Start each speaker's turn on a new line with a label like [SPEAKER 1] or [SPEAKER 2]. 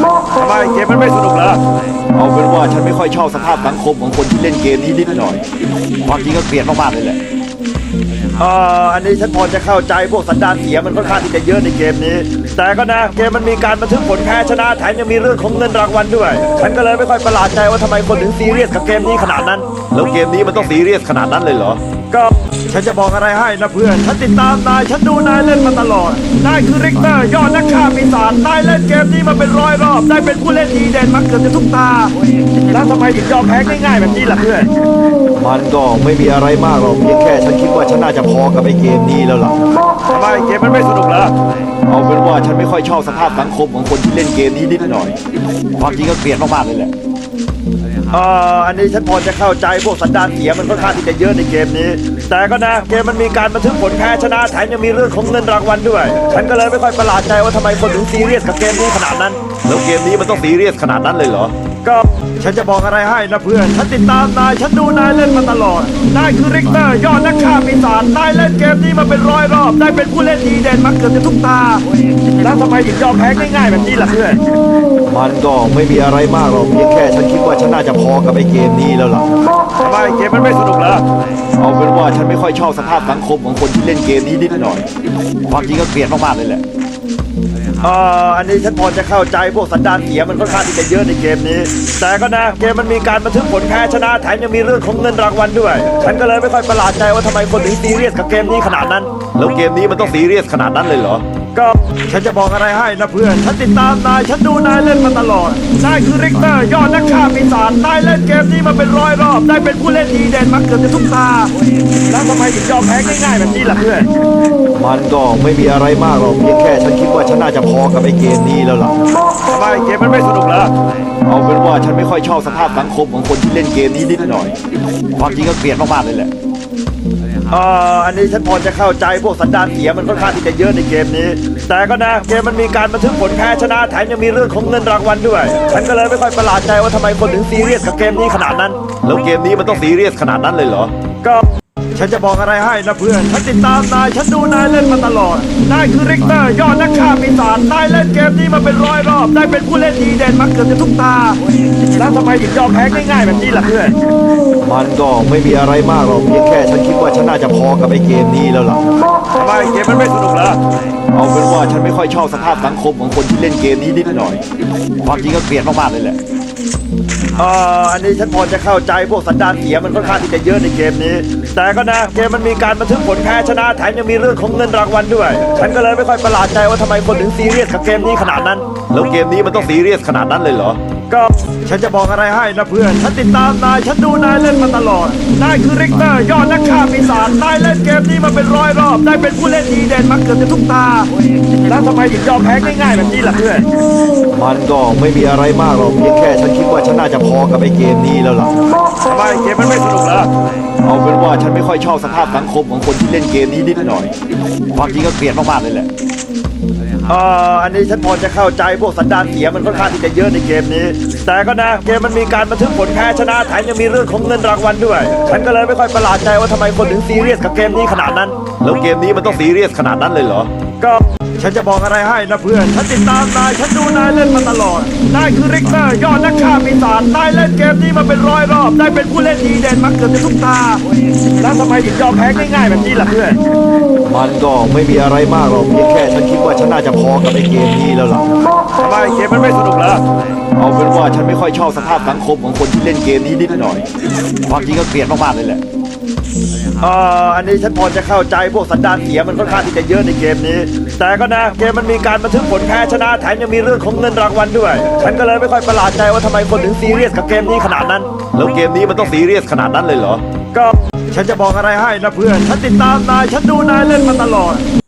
[SPEAKER 1] ทำไมเกมมันไม่สนุกเหรอเอาเป็นว่าฉันไม่ค่อยชอบสภาพสังคมของคนที่เล่นเกมนี้นิดหน่อยความจริงก็เกลียดมากๆเลยแหละอันนี้ฉันพอจะเข้าใจพวกสันดานเสียมันค่อนข้างที่จะเยอะในเกมนี้แต่ก็นะเกมมันมีการบันทึกผลแพ้ชนะแถมยังมีเรื่องของเงินรางวัลด้วยฉันก็เลยไม่ค่อยประหลาดใจว่าทำไมคนถึงซีเรียสกับเกมนี้ขนาดนั้นแล้วเกมนี้มันต้องซีเรียสขนาดนั้นเลยเหรอก็ฉันจะบอกอะไรให้นะเพื่อนฉันติดตามนายฉันดูนายเล่นมาตลอดนายคือริกเตอร์ยอดนักฆ่าปีศาจนายเล่นเกมนี้มาเป็นร้อยรอบได้เป็นผู้เล่นดีเด่นมาเกือบจะทุกตาแล้วทำไมถึงยอมแพ้ง่ายๆแบบนี้ล่ะเพื่อนมันก็ไม่มีอะไรมากหรอกเพียงแค่ฉันคิดว่าฉันน่าจะพอกับไอ้เกมนี้แล้วล่ะทำไมเกมมันไม่สนุกเหรอเอาเป็นว่าฉันไม่ค่อยชอบสภาพสังคมของคนที่เล่นเกมนี้นิดหน่อยความจริงก็เกลียดมากๆเลยแหละอันนี้ฉันพอจะเข้าใจพวกสันดานเสียมันค่อนข้างที่จะเยอะในเกมนี้แต่ก็นะเกมมันมีการบันทึกผลแพ้ชนะแถมยังมีเรื่องของเงินรางวัลด้วยฉันก็เลยไม่ค่อยประหลาดใจว่าทำไมคนถึงซีเรียสกับเกมนี้ขนาดนั้นแล้วเกมนี้มันต้องซีเรียสขนาดนั้นเลยเหรอก็ฉันจะบอกอะไรให้นะเพื่อนฉันติดตามนายฉันดูนายเล่นมาตลอดนายคือริกเตอร์ยอดนักฆ่าปีศาจนายเล่นเกมนี้มาเป็นร้อยรอบได้เป็นผู้เล่นดีเด่นมาเกือบจะทุกตาแล้วทำไมถึงยอมแพ้ง่ายๆแบบนี้ล่ะเพื่อนมันก็ไม่มีอะไรมากหรอกเพียงแค่ฉันคิดว่าฉันน่าจะพอกับไอ้เกมนี้แล้วล่ะทำไมเกมมันไม่สนุกเหรอเอาเป็นว่าฉันไม่ค่อยชอบสภาพสังคมของคนที่เล่นเกมนี้นิดหน่อยความจริงก็เกลียดมากๆเลยแหละอันนี้ฉันพอจะเข้าใจพวกสันดานเสียมันค่อนข้างที่จะเยอะในเกมนี้แต่ก็นะเกมมันมีการบันทึกผลแพ้ชนะแถมยังมีเรื่องของเงินรางวัลด้วยฉันก็เลยไม่ค่อยประหลาดใจว่าทำไมคนถึงซีเรียสกับเกมนี้ขนาดนั้นแล้วเกมนี้มันต้องซีเรียสขนาดนั้นเลยเหรอก็ฉันจะบอกอะไรให้นะเพื่อนฉันติดตามนายฉันดูนายเล่นมาตลอดนายคือริกเตอร์ยอดนักฆ่าปีศาจนายเล่นเกมนี้มาเป็นร้อยรอบได้เป็นผู้เล่นดีเด่นมาเกือบจะทุกตาแล้วทำไมถึงยอมแพ้ง่ายๆแบบนี้ล่ะเพื่อนมันก็ไม่มีอะไรมากหรอกเพียงแค่ฉันคิดว่าฉันน่าจะพอกับไอ้เกมนี้แล้วล่ะทำไมเกมมันไม่สนุกเหรอเอาเป็นว่าฉันไม่ค่อยชอบสภาพสังคมของคนที่เล่นเกมนี้นิดหน่อยความจริงก็เกลียดมากๆเลยแหละอันนี้ฉันพอจะเข้าใจพวกสันดานเสียมันค่อนข้างที่จะเยอะในเกมนี้แต่ก็นะเกมมันมีการบันทึกผลแพ้ชนะแถมยังมีเรื่องของเงินรางวัลด้วยฉันก็เลยไม่ค่อยประหลาดใจว่าทำไมคนถึงซีเรียสกับเกมนี้ขนาดนั้นแล้วเกมนี้มันต้องซีเรียสขนาดนั้นเลยเหรอก็ฉันจะบอกอะไรให้นะเพื่อนฉันติดตามนายฉันดูนายเล่นมาตลอดนายคือริกเตอร์ยอดนักฆ่าปีศาจนายเล่นเกมนี้มาเป็นร้อยรอบได้เป็นผู้เล่นดีเด่นมาเกือบจะทุกตาแล้วทำไมถึงยอมแพ้ง่ายๆแบบนี้ล่ะเพื่อนมันก็ไม่มีอะไรมากหรอกเพียงแค่ฉันคิดว่าฉันน่าจะพอกับไอ้เกมนี้แล้วล่ะทำไมเกมมันไม่สนุกเหรอเอาเป็นว่าฉันไม่ค่อยชอบสภาพสังคมของคนที่เล่นเกมนี้นิดหน่อยความจริงก็เกลียดมากๆเลยแหละอันนี้ฉันพอจะเข้าใจพวกสันดานเสียมันค่อนข้างที่จะเยอะในเกมนี้แต่ก็นะเกมมันมีการบันทึกผลแพ้ชนะแถมยังมีเรื่องของเงินรางวัลด้วยฉันก็เลยไม่ค่อยประหลาดใจว่าทำไมคนถึงซีเรียสกับเกมนี้ขนาดนั้นแล้วเกมนี้มันต้องซีเรียสขนาดนั้นเลยเหรอก็ฉันจะบอกอะไรให้นะเพื่อนฉันติดตามนายฉันดูนายเล่นมาตลอดนายคือริกเตอร์ยอดนักฆ่าปีศาจนายเล่นเกมนี้มาเป็นร้อยรอบได้เป็นผู้เล่นดีเด่นมาเกือบจะทุกตาแล้วทำไมถึงยอมแพ้ง่ายๆแบบนี้ล่ะเพื่อนมันก็ไม่มีอะไรมากหรอกเพียงแค่ฉันคิดว่าฉันน่าจะพอกับไอ้เกมนี้แล้วล่ะทำไมเกมมันไม่สนุกเหรอเอาเป็นว่าฉันไม่ค่อยชอบสภาพสังคมของคนที่เล่นเกมนี้นิดหน่อยความจริงก็เกลียดมากๆเลยแหละอันนี้ฉันพอจะเข้าใจพวกสันดานเสียมันค่อนข้างที่จะเยอะในเกมนี้แต่ก็นะเกมมันมีการบันทึกผลแพ้ชนะแถมยังมีเรื่องของเงินรางวัลด้วยฉันก็เลยไม่ค่อยประหลาดใจว่าทำไมคนถึงซีเรียสกับเกมนี้ขนาดนั้นแล้วเกมนี้มันต้องซีเรียสขนาดนั้นเลยเหรอก็ฉันจะบอกอะไรให้นะเพื่อนฉันติดตามนายฉันดูนายเล่นมาตลอดนายคือริกเตอร์ยอดนักฆ่าปีศาจนายเล่นเกมนี้มาเป็นร้อยรอบได้เป็นผู้เล่นดีเด่นมาเกือบจะทุกตาแล้วทำไมถึงยอมแพ้ง่ายๆแบบนี้ล่ะเพื่อนมันก็ไม่มีอะไรมากหรอกเพียงแค่ฉันคิดว่าฉันน่าจะพอกับไอ้เกมนี้แล้วล่ะทำไมเกมมันไม่สนุกเหรอเอาเป็นว่าฉันไม่ค่อยชอบสภาพสังคมของคนที่เล่นเกมนี้นิดหน่อยความจริงก็เกลียดมากๆเลยแหละอันนี้ฉันพอจะเข้าใจพวกสันดานเสียมันค่อนข้างที่จะเยอะในเกมนี้แต่ก็นะเกมมันมีการบันทึกผลแพ้ชนะแถมยังมีเรื่องของเงินรางวัลด้วยฉันก็เลยไม่ค่อยประหลาดใจว่าทำไมคนถึงซีเรียสกับเกมนี้ขนาดนั้นแล้วเกมนี้มันต้องซีเรียสขนาดนั้นเลยเหรอก็ฉันจะบอกอะไรให้นะเพื่อนฉันติดตามนายฉันดูนายเล่นมาตลอด